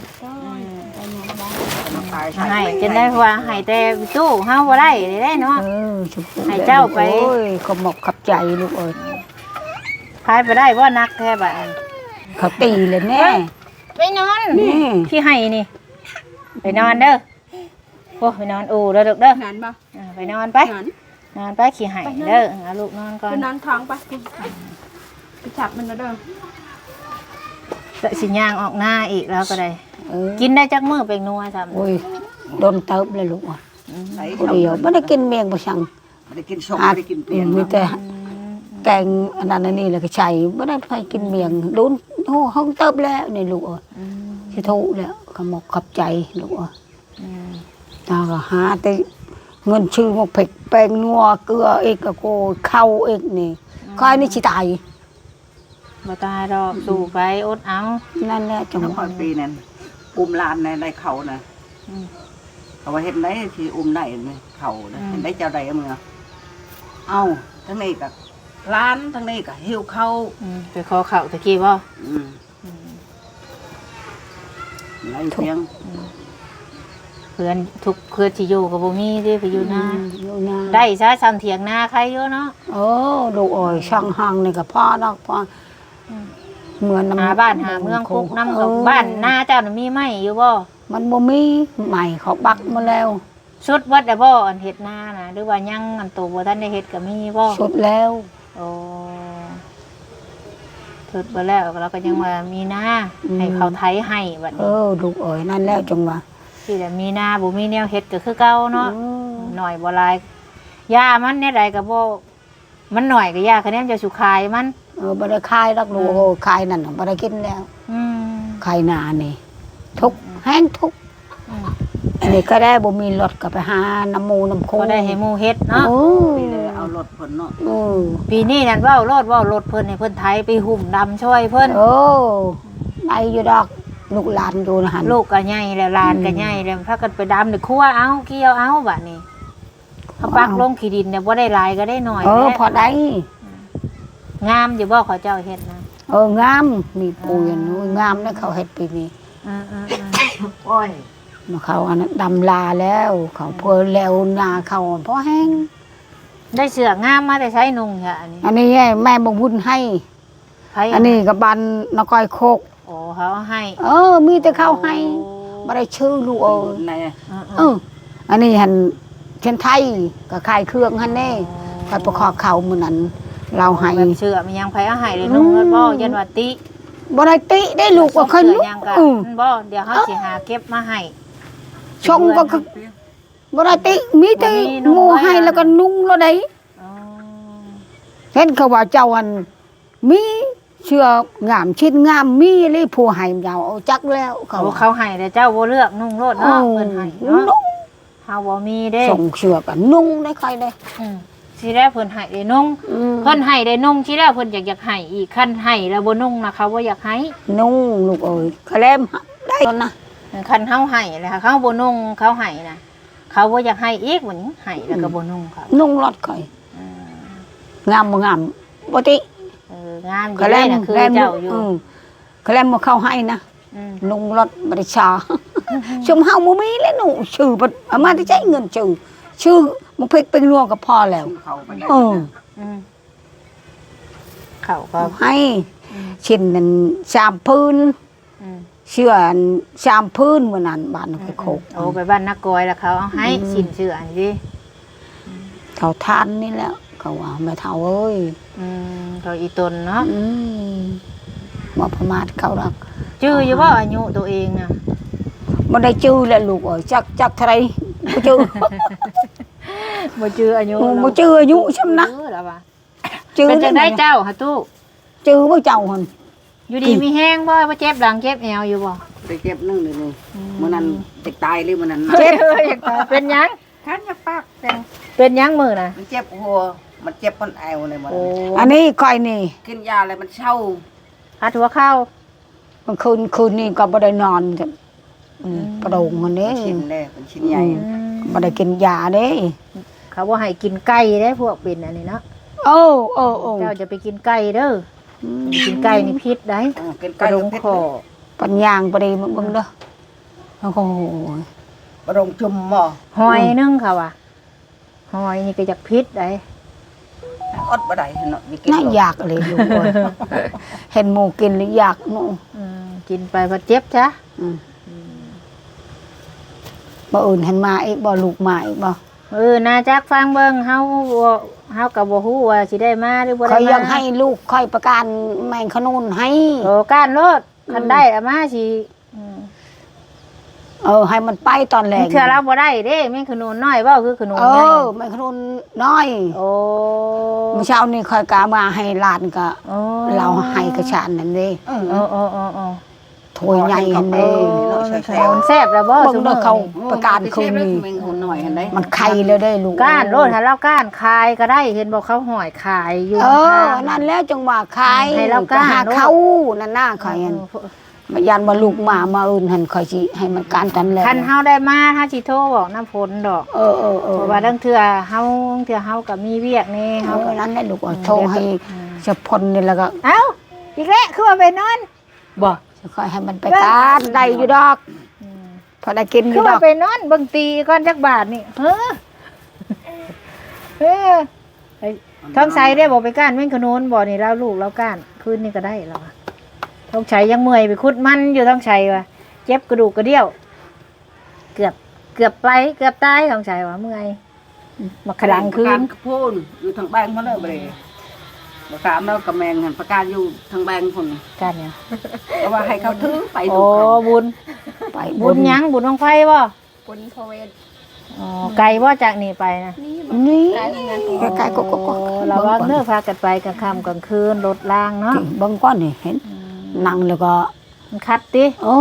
[SPEAKER 1] ให้จนได้ว่าให้แต่ตู้เฮาบ่ได้ได้เนาะ
[SPEAKER 2] เออชุบ
[SPEAKER 1] ให้เจ้าไป
[SPEAKER 2] โอ้ยก็หมกขับใจลูกเอ้ย
[SPEAKER 1] พายไปได้บ่นักแท้บัดนี้
[SPEAKER 2] เขาตีเลยแน่
[SPEAKER 1] ไปนอน
[SPEAKER 2] นี่
[SPEAKER 1] ที่ให้นี่ ไปนอนเด้อโอ้ไปนอนอู่เด้อลูกเด้อ
[SPEAKER 3] หันบ่
[SPEAKER 1] อ่าไปนอนไป
[SPEAKER 3] หัน
[SPEAKER 1] นอนไปขี้ให้เด้อเอาลูกนอนก่อน
[SPEAKER 3] คือนอนท้องไปไปจับมันแล้วเด้อ
[SPEAKER 1] เดี๋ยวสิย่างออกหน้าอีกแล้วก็ได้
[SPEAKER 2] เออ
[SPEAKER 1] กินได้จักมื้อเป็นนัวซ้ำ
[SPEAKER 2] โอ้ยโดนเติบเลยลูกอ่ะ
[SPEAKER 4] ไหน
[SPEAKER 2] ผู้เดียวไม่ได้กินเมียงบ่สั่ง
[SPEAKER 4] ไม่ได้กินส้มไม่ได้กินเปลี่ยน
[SPEAKER 2] มีแต่แกงอันนั้นอันนี้แล้วก็ใช้ไม่ได้ไปกินเมียงโดนโอ้ห้องเติบแล้วนี่ลูกเอ้ยสิถูกแล้วก็หมกขับใจลูกเอ้ย
[SPEAKER 1] อืม
[SPEAKER 2] ตาก็หาแต่เงินชื่อหมกเผ็ดแป้งนัวเกลือเอกก็โกเข้าเอกนี่ค่อยนี่สิตาย
[SPEAKER 1] บ่ตายดอกสู้ไปอดเอา
[SPEAKER 2] นั่นแหละจัง
[SPEAKER 4] น้อง
[SPEAKER 2] ห
[SPEAKER 4] คอ
[SPEAKER 2] วะ
[SPEAKER 4] ยปีนั้นอุ้มลานในในเขานะ
[SPEAKER 1] อืม
[SPEAKER 4] เอาไว้เห็นไหนที่อุ้มไหนในเขานะเห็นไหนเจ้าใดเอามือเอาทั้งนี้กับร้านทั้งนี้กับหิวเข้า
[SPEAKER 1] อืมไปขอข้าวตะกี้บ่
[SPEAKER 4] อืมไรเพียง
[SPEAKER 1] เพื่อนทุกเพื่อนที่อยู่กับบ่มีเด้ไปอยู่นา
[SPEAKER 2] อยู่นา
[SPEAKER 1] ได้ซะซ้ำเถียงนาใครอยู่เนาะ
[SPEAKER 2] โอ้ลูกเอ้ยช่างหังนี่ก็พ่อดอกพ่อเหมือนน้ำ
[SPEAKER 1] หาบ้านหาเมืองคุกน้ำกับบ้านนาเจ้าน่ะมีไหมอยู่บ่
[SPEAKER 2] มันบ่มีใหม่เขาบักมาแล้ว
[SPEAKER 1] ชุดวัดได้บ่อันเฮ็ดนาน่ะหรือว่ายังอันโตบ่ทันได้เฮ็ดก็มีบ่
[SPEAKER 2] สุดแล้ว
[SPEAKER 1] โอ้ชุดบ่แล้วเราก็ยังว่ามีนาให้เขาไถให้บัด
[SPEAKER 2] เอ
[SPEAKER 1] นี้
[SPEAKER 2] อลูกเอ้ยนั่นแล้วจังหวะ
[SPEAKER 1] ที่แต่มีนาบ่มีแนวเฮ็ดก็คือเก่าเนาะ
[SPEAKER 2] เออ
[SPEAKER 1] หน่อยบ่หลายยามันแนวใดก็บ่มันหน่อยก็ยาคะแนนจะสุขายมัน
[SPEAKER 2] เออบ่ได้คายดอกลูกโอ้คายนั่นน่ะบ่ได้กินแล้ว
[SPEAKER 1] อืม
[SPEAKER 2] คายนานี่ทุกข์แห้งทุกข์
[SPEAKER 1] อืม
[SPEAKER 2] อันนี้ก็ได้บ่มีรถก็ไปหาน้ำหมูน้ำโค
[SPEAKER 1] ก็ได้ให้หมู่เฮ็ดเนาะ
[SPEAKER 2] โอ้
[SPEAKER 4] ปีเลยเอารถผลเนาะ
[SPEAKER 2] เออ
[SPEAKER 1] ปีนี้นั่นเว้ารถเว้ารถเพิ่นให้เพิ่นไถไปหุ่มดำช่วยเพิ่น
[SPEAKER 2] โอ้ได้อยู่ดอกลูกหลานอยู่นะหั่น
[SPEAKER 1] ลูกก็ใหญ่แล้วหลานก็ใหญ่แล้วพากันไปดำในครัวเอาเกี่ยวเอาบัดนี้เขาปักลงขี้ดินเนี่ยบ่ได้หลายก็ได้หน่อย
[SPEAKER 2] เออ
[SPEAKER 1] แหละ
[SPEAKER 2] พอได้
[SPEAKER 1] งามอยู่บ่เขาเจ้าเฮ็ดนะ
[SPEAKER 2] เอองามมีปูยนงามนะเขาเฮ็ดปีนี้
[SPEAKER 1] อ่า
[SPEAKER 4] โอ้ย
[SPEAKER 2] มาเขาอันนั้นดำลาแล้ว เขาเพิ่นแล้วนาเขาเพราะแห้ง
[SPEAKER 1] ๆได้เสื้องามมาแต่ใช้นุ่งค่ะอันนี้
[SPEAKER 2] อันนี้แม่บ่บุญให้
[SPEAKER 1] ไผ
[SPEAKER 2] อันนี้ก็บันนก้อยโคก
[SPEAKER 1] โอ้เขาให้
[SPEAKER 2] เออ มีแต่เขาให้บ่ได้ชื่อลูกเออ
[SPEAKER 4] ใน
[SPEAKER 1] อ่า
[SPEAKER 2] เออ อันนี้หันเช่นไทยก็ขายเครื่องหันแน่คอยประคอบเขามื้อนั้น เราให้
[SPEAKER 1] แบบเสื้อมันยังไผเอาให้เลยนุ่งแล้วบ่ยันว่าติ
[SPEAKER 2] บ่ได้ติได้ลูกว่าเคย
[SPEAKER 1] เสื้
[SPEAKER 2] ลู
[SPEAKER 1] อก ยังก็
[SPEAKER 2] อือ
[SPEAKER 1] บ่เดี๋ยวเฮาสิหาเก็บมาให้
[SPEAKER 2] ชงก็คือบ่ได้ติมีแต่
[SPEAKER 1] บ่มีนุ่ง
[SPEAKER 2] หมู่
[SPEAKER 1] ไว้
[SPEAKER 2] ให้
[SPEAKER 1] อะ
[SPEAKER 2] แล้วก็นุ่งแล้วได้
[SPEAKER 1] อ๋อ
[SPEAKER 2] เห็นเขาว่าเจ้าอันมีเชื่องามชิ้นงามมีเลยผู้ให้ยาวเอาจักแล้วเขา
[SPEAKER 1] เขาเขาให้แต่เจ้าบ่เลือกนุ่งโลด
[SPEAKER 2] เอ
[SPEAKER 1] เนาะ
[SPEAKER 2] อ
[SPEAKER 1] เพิ่นให้เนาะ
[SPEAKER 2] นุ่ง
[SPEAKER 1] เฮาบ่มีเด้
[SPEAKER 2] ส่งเชือกันนุ่งได้ใครได้
[SPEAKER 1] อืมสิได้เพิ่นให้ได้นุ่ง
[SPEAKER 2] อืม
[SPEAKER 1] เพิ่นให้ได้นุ่งสิได้เพิ่นอยากอยากให้อีกคันให้แล้วบ่นุ่งนะเขาบ่อยากให้
[SPEAKER 2] นุ่งลูกเอ้ยคะแลมได้แล้วนะ
[SPEAKER 1] คันเฮาให้แล้วเขาบ่นุ่งเขาให้นะเขาบ่อยากให้อีกวันนี้ให้แล้วก็บ่นุ่งเขา
[SPEAKER 2] นุ่งรถข่อยงามบ่งามบ่ติ
[SPEAKER 1] เอองามอยู่
[SPEAKER 2] เขา
[SPEAKER 1] เล
[SPEAKER 2] แล่
[SPEAKER 1] ย
[SPEAKER 2] น
[SPEAKER 1] นะคือ
[SPEAKER 2] แล่น
[SPEAKER 1] เจ้าอยู่
[SPEAKER 2] อืมเขาแล่นบ่เข้าให้นะ
[SPEAKER 1] อืม
[SPEAKER 2] นุ่งรถบ่ได้ชาชุมเฮาบ่มีแล้วหนูชื่อบ่เอามาที่ใช้เงินชื่อชื่อมันเพ็กเป็นรวงก็พอแล้ว
[SPEAKER 4] เขาไปได้
[SPEAKER 2] เออ
[SPEAKER 1] อืมเขาก็
[SPEAKER 2] เอาให้ชิ้นนั้นสามพื้น
[SPEAKER 1] อืม
[SPEAKER 2] เชื่ออันสามพื้นมื้อนั้นบ้านไปโคก
[SPEAKER 1] โอ้ไปบ้านนักกอยแล้วเขาเอาให้สินเชื่ออันนี้
[SPEAKER 2] เท่าทานนี่แหล้วเขาว่าแม่เฒ่าเอ้ย
[SPEAKER 1] อืมเขาอีตนเนาะ
[SPEAKER 2] อืมบ่ประมาทเขาดอก
[SPEAKER 1] จื้ออยู่บ่อายุตัวเองน่ะ
[SPEAKER 2] บ่ได้จื้อแหละลูกเอ้ยจักจักเท่าไรบ่จื้อ
[SPEAKER 1] บ่จื้ออายุ
[SPEAKER 2] บ่จื้ออายุซำนะ
[SPEAKER 1] เออแล้วว่า
[SPEAKER 2] จื้อ
[SPEAKER 1] เป็นจังได้เจ้าหาตู้
[SPEAKER 2] จื้อบ่เจ้าหั่น
[SPEAKER 1] อยู่ดีมีแห้งบ่บ่เจ็บหลังเจ็บแอวอยู่บ่
[SPEAKER 4] ไปเจ็บนึ่งเลยนี่มื้อนั้นเด็กตายเลยมื้อนั้น
[SPEAKER 1] เจ็บเป็นหยัง
[SPEAKER 4] คันอย่าปากแต่ง
[SPEAKER 1] เป็นหยังมือน่ะ
[SPEAKER 4] มันเจ็บหัวมันเจ็บคนแอวเลยมื้อ
[SPEAKER 1] โอ้
[SPEAKER 4] นั้น
[SPEAKER 2] อันนี้ค่อยนี่
[SPEAKER 4] กินยาอะไรมันเช่า
[SPEAKER 1] หัดหัวเข้า
[SPEAKER 2] บางคืนคืนนี้ก็บ่ได้นอนจ้ะอืมประโดงมันเด้
[SPEAKER 4] ชิ้นแรกเป็นชิ้นใหญ่
[SPEAKER 1] อืม
[SPEAKER 2] บ่ได้กินยาเด้
[SPEAKER 1] เขาบ่ให้กินไก่เด้พวกเป็นอันนี้เนาะ
[SPEAKER 2] โอ้โอ้โอ้
[SPEAKER 1] เจ้าจะไปกินไก่เด้ออกินไก่นี่พิษได้
[SPEAKER 4] เออกิน
[SPEAKER 1] ก
[SPEAKER 4] ไก่
[SPEAKER 1] ระดง
[SPEAKER 4] เพช
[SPEAKER 1] คอ
[SPEAKER 2] ปัญญางบ่ได้มึงเบิ่งเด้อโอ้โห
[SPEAKER 4] กระดงจุ่มหม้อ
[SPEAKER 1] หอยนึงค่ะว่ะหอยนี่ก็อยากพิษได้
[SPEAKER 4] อดบ่ได้เนาะมีกิน
[SPEAKER 2] น่าอยากเลยลูกเอ้ยเห็นหมูกินแล้วอยากหนู
[SPEAKER 1] อืมกินไปพอเจ็บจ้ะ
[SPEAKER 2] อืมบ่อื่นเห็นมาอีกบ่ลูกมาอีกบ่
[SPEAKER 1] เออนาจักฟังเบิ่งเฮาบ่เฮาก็บ่ฮู้ว่าสิได้มาหรือบ่
[SPEAKER 2] ค่
[SPEAKER 1] ได้
[SPEAKER 2] อย
[SPEAKER 1] มา
[SPEAKER 2] ยังให้ลูกค่อยประกันแมงขนุนให้
[SPEAKER 1] โอ้ก้านโลดคันได้เอามาสิอืม
[SPEAKER 2] เออให้มันไปตอนแรก
[SPEAKER 1] เทื่อเราบ่ได้เด้แม่งขนุนน้อยเว้าคือขนุน
[SPEAKER 2] เอ
[SPEAKER 1] ใหญ่
[SPEAKER 2] อแมงขนุนน้อย
[SPEAKER 1] โอ้
[SPEAKER 2] เมื่อเช้านี่ค่อยกามาให้หลานก็
[SPEAKER 1] โอ้
[SPEAKER 2] เราให้กระชานนั่นเด้
[SPEAKER 4] เออ
[SPEAKER 1] โอ้โอ้โอ้โอ้
[SPEAKER 2] ถ้วยใหญ่นั่น
[SPEAKER 1] โอ้
[SPEAKER 2] เด้
[SPEAKER 1] ขนุนแซ่บแล้วบ่
[SPEAKER 2] เบิ่งเด้อเขา
[SPEAKER 1] ซุมื้อ
[SPEAKER 2] ประกันคืนนี้
[SPEAKER 4] แมงหุ่นหน่อยเห็นได้
[SPEAKER 2] มันไข่เลยได้ลูก
[SPEAKER 1] ก้านโลดถ้าเราก้านคายก็ได้เห็นบอกเขาหอยขายอยู่
[SPEAKER 2] เออ
[SPEAKER 1] ข้าง
[SPEAKER 2] นั่นแล้วจังว่าขาย
[SPEAKER 1] ให้เรากล้า
[SPEAKER 2] หา
[SPEAKER 1] เนอะ
[SPEAKER 2] เขานั่นน่าข่อยอันมายันว่าลูกหมามาอื่นหันข่อยสิให้มันการตันแล้ว
[SPEAKER 1] คันเฮาได้มาถ้าสิโทรบอกน้ำฝนดอก
[SPEAKER 2] เออเออเออ
[SPEAKER 1] เพราะว่าตั้งเทื่อเฮาตั้งเทื่อเฮาก็มีเวียกนี่
[SPEAKER 2] เฮา
[SPEAKER 1] เฮาก็
[SPEAKER 2] นั้นแหละลูกเอาโทรให้เจะพลนี่แล้วก็
[SPEAKER 1] เอ้าอีกแล้วคือว่าไปนอน
[SPEAKER 2] บ่จะค่อยให้มันไปการได้อยู่ดอกพอได้กินอ
[SPEAKER 1] คือยู่
[SPEAKER 2] ด
[SPEAKER 1] ว่า
[SPEAKER 2] อก
[SPEAKER 1] ไปนอนเบิ่งตีก่อนจักบาทนี่เฮ้อเฮ้อไอ้ท้องใสได้บ่ไปก้านแม่งขนุนบ่นี่เราลูกเราก้านคืนนี้ก็ได้แล้วอะท้องใสยังเมื่อยไปขุดมันอยู่ท้องใสว่ะเจ็บกระดูกกระเดี่ยว เกือบเกือบไปเกือบตายท้องใสว่ะเมื่อยมาขลังคืน
[SPEAKER 4] กระโพนอยู่ทางแบงเขาเลยบ่ได้บ่ถามแล้วกับแมงหันประกาศอยู่ทางแบงพุ่น
[SPEAKER 1] กันเนี่ย
[SPEAKER 4] เพราะว่าให้เขาถือไป
[SPEAKER 1] โอ้
[SPEAKER 4] ดูเขา
[SPEAKER 1] บุญ
[SPEAKER 2] ไป
[SPEAKER 1] บุญหยังบุญของไฟบ่
[SPEAKER 3] ปุนโพเวท
[SPEAKER 1] อ๋อไกลบ่จากนี่ไปนะ
[SPEAKER 3] นี่
[SPEAKER 2] นี่
[SPEAKER 3] ได้งาน
[SPEAKER 2] ใกล้ๆก็ก็ก็
[SPEAKER 1] โอ้เราว่าเนื้อพากันไปกลางค่ำกลางคืนรถล่างเนาะ
[SPEAKER 2] เบิ่งก่อนนี่เห็นนั่งแล้วก็
[SPEAKER 1] มันคัดติ
[SPEAKER 2] โอ้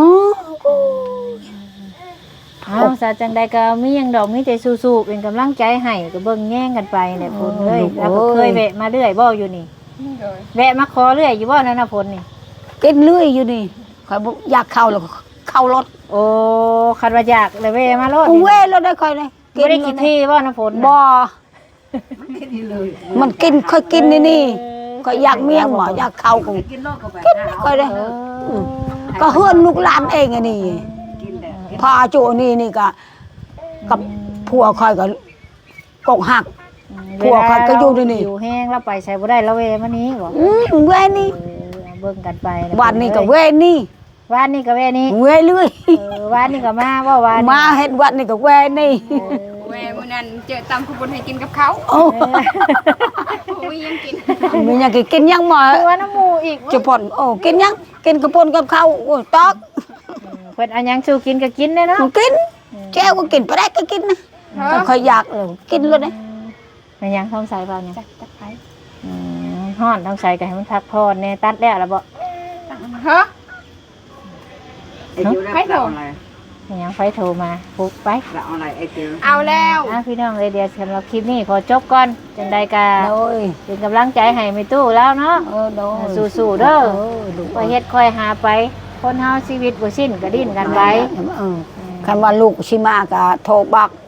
[SPEAKER 1] เอาซะจังใดก็มีหยังดอกมีใจสู้ๆเป็นกำลังใจให้ก็เบิ่งแย่งกันไปแหละพุ่นเอ้ยแล้วก็เคยแวะมาเรื่อยบ่อยู่นี่
[SPEAKER 3] โดย
[SPEAKER 1] แวะมาขอเรื่อยอยู่บ่นั่นน่ะพุ่นนี่
[SPEAKER 2] กินเรื่อยอยู่นี่ข่อยบ่อยากเข้าแล้วก็เข้ารถ
[SPEAKER 1] โอ้คันว่าอยากเลยแวะมาโลด
[SPEAKER 2] กู
[SPEAKER 1] นี่
[SPEAKER 2] เว้ยแล้วได้ค่อยเลย
[SPEAKER 1] บ่ได้กินที่บ่น่ะพุ่นน่ะ
[SPEAKER 2] บ่
[SPEAKER 4] มันกินนี่เลย
[SPEAKER 2] มันกินค่อยกินนี่นี่ก็อยากเมียงหมออยากเข้ากู
[SPEAKER 4] กินโลกก็แบบ
[SPEAKER 2] ค่อยเลย
[SPEAKER 1] เออ
[SPEAKER 2] ก็เฮือนลูกหลานเองอันนี้
[SPEAKER 4] กินแต่
[SPEAKER 2] พาโจนี่นี่ก็กับผัวคอยก็กกหัก ผัวเขาก็อยู่นี่นี่
[SPEAKER 1] อยู่แห้งแล้วไปใช้บ่ได้แล้วเวมานี้บ่
[SPEAKER 2] อืมเว้ยนี่
[SPEAKER 1] เออเอาเบิ่งกันไปะ
[SPEAKER 2] วันนี้ก็เว้ยนี่
[SPEAKER 1] วานนี้ก็เวนี้
[SPEAKER 2] เว้ยเรื่อย
[SPEAKER 1] เออวานนี้ก็มาบ่วานนี้
[SPEAKER 2] มาเฮ็ดวันนี้ก็เว้ยนี่
[SPEAKER 3] แหวมื้อนั้นเจอตำขบวนให้กินกับเขา
[SPEAKER 2] โอ้
[SPEAKER 3] อุ้ยยังกิน
[SPEAKER 2] มีหยังกินยังหมอ
[SPEAKER 1] คือว่าน้ำหมูอีก
[SPEAKER 2] จะพ่นโอ้กินยังกินกระปนกับข้าวโอ้ตอก
[SPEAKER 1] เพิ่นเอาหยังสู่กินก็กินได้เนาะ
[SPEAKER 2] มันกินแก้วก็กินไปได้ก็กินนะก็ค่อยอยากเออกินเลยนะ
[SPEAKER 1] มันหยังท้องใสเปล่าเนี่ย
[SPEAKER 3] จักจักไป
[SPEAKER 1] อืมฮ้อนท้องใสก็ให้มันพักผ่อนแน่ตัดแล้วล่ะบ่
[SPEAKER 3] ฮะ
[SPEAKER 4] ไอ้เจียวได้เราอะไร
[SPEAKER 1] มันหยังไฟโทรมาปุ๊บไป
[SPEAKER 4] เราอะไรไอ้เจียว
[SPEAKER 3] เอาแล้ว
[SPEAKER 1] อ่ะพี่น้องเอ้ยเดี๋ยวสำหรับคลิปนี้ขอจบก่อนจังใดก็
[SPEAKER 2] โดย
[SPEAKER 1] เป็นกำลังใจให้แม่ตู้แล้วเนาะ
[SPEAKER 2] เออโดย
[SPEAKER 1] สู้ๆเด้อ
[SPEAKER 2] ดู
[SPEAKER 1] ค่อยเฮ็ดค่อยหาไป คนเฮาชีวิตบ่สิ้นก็ดิ้นกันไป
[SPEAKER 2] เออคันว่าลูกชิมาก็โทรบอก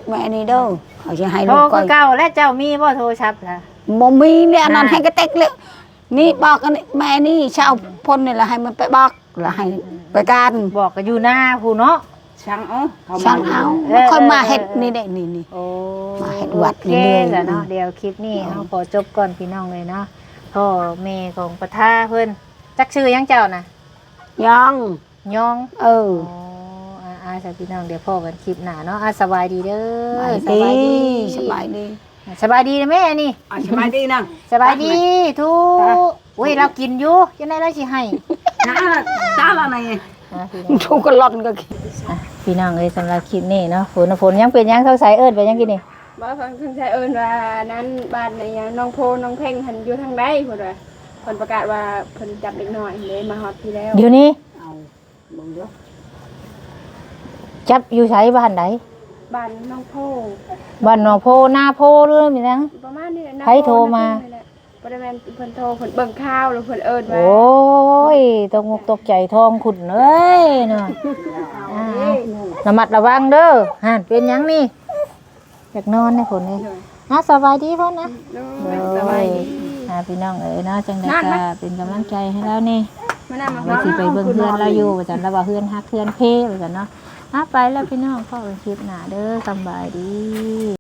[SPEAKER 2] แม่นี่เด้อเขาจะให้
[SPEAKER 1] โทร
[SPEAKER 2] ลูก
[SPEAKER 1] ก็
[SPEAKER 2] ก้อย
[SPEAKER 1] เก่าและเจ้ามีบ่โทรศัพท์ล่ะ
[SPEAKER 2] บ่มีเนี่ยอันนั้น
[SPEAKER 1] อ่า
[SPEAKER 2] ให้กระเต็กเลยนี่บอกกันนี่แม่นี่ชาวพ้นนี่ละให้มันไปบอกละให้ไปการ
[SPEAKER 1] บอกก็อยู่หน้าผู้เนาะ
[SPEAKER 4] ช่างเอาเขา
[SPEAKER 2] ช่างเอา
[SPEAKER 1] เออ
[SPEAKER 2] แล้วค่อยมา
[SPEAKER 1] เออ
[SPEAKER 2] เฮ็ด
[SPEAKER 1] เออ
[SPEAKER 2] นี่ได้นี่นี่
[SPEAKER 1] โอ้
[SPEAKER 2] มาเฮ็ดวัด
[SPEAKER 1] โอเค
[SPEAKER 2] เรื่อยๆ
[SPEAKER 1] แหละเนาะเดี๋ยวคลิปนี้เฮาขอจบก่อนพี่น้องเลยเนาะพ่อแม่ของปะทาเพิ่นจักชื่อหยังเจ้าน่ะ
[SPEAKER 2] ยัง
[SPEAKER 1] ยอง
[SPEAKER 2] เออ
[SPEAKER 1] โอ้อาอาสาพี่น้องเดี๋ยวพ่อกันคลิปหน้าเนาะอาสบายดีเด้อ
[SPEAKER 2] สบายดีสบายดี
[SPEAKER 1] สบายดีนะแม่นี่
[SPEAKER 4] อ่ะสบายดีนั่ง
[SPEAKER 1] สบายดีทุกอุ้ยเรากินอยู่ยังไงเราสิให้
[SPEAKER 4] จ้าจ้าละไง
[SPEAKER 1] อ่ะพี่น้อง
[SPEAKER 2] ทุกกล่อนก็กิน
[SPEAKER 1] อ่ะพี่น้องเอ้ยสำหรับคลิปนี้เนาะฝนฝนยังเป็นยังเท่าสายเอิ้นไปยังกินนี่
[SPEAKER 3] บ่ฟังเพิ่นใช้เอิ้นว่านั้นบ้านในหยังน้องโพน้องเพ่งหันอยู่ทางใดพุ่นว่าเพิ่นประกาศว่าเพิ่นจับเด็กน้อยเลยมาฮอดพี่แล้ว
[SPEAKER 1] เดี๋ยวนี้
[SPEAKER 2] เอาเบิ่งเด้อ
[SPEAKER 1] จับอยู่ไสบ้านใด
[SPEAKER 3] บ้านน้องโพ
[SPEAKER 1] บ้านหนองโพหน้าโพหรือมีนัง
[SPEAKER 3] ประมาณนี้แหละนะ
[SPEAKER 1] ใครโทรมา
[SPEAKER 3] บ่ได้แม่นเพิ่นโทรเพิ่นเบิ่งข่าวแล้วเพิ่นเอิ้นว่า
[SPEAKER 1] โอ้ยตกงกตกใจทองขุ่นเอ้ยเนาะอ่าระมัดระวังเด้อห่านเป็นหยังนี่อยากนอนนะฝนเลยอ่ะสบายดีพ่อนะ
[SPEAKER 3] โด
[SPEAKER 1] เด้
[SPEAKER 3] ย
[SPEAKER 1] อ
[SPEAKER 3] สบายดี
[SPEAKER 1] อ่าพี่น้องเอ๋ยเนาะจังได๋
[SPEAKER 3] นั่น
[SPEAKER 1] ก็
[SPEAKER 3] นะ
[SPEAKER 1] เป็นกำลังใจให้แล้วนี่
[SPEAKER 3] มานั่งมา
[SPEAKER 1] ว่าสิไปเบิ่งเพื่อนเราอยู่ว่าจันแล้วว่าเพื่อนฮักเพื่อนเพ่ว่าจันเนาะอ่ะไปแล้วพี่น้องพ่อเป็นคลิปหน้าเด้อสำบายดี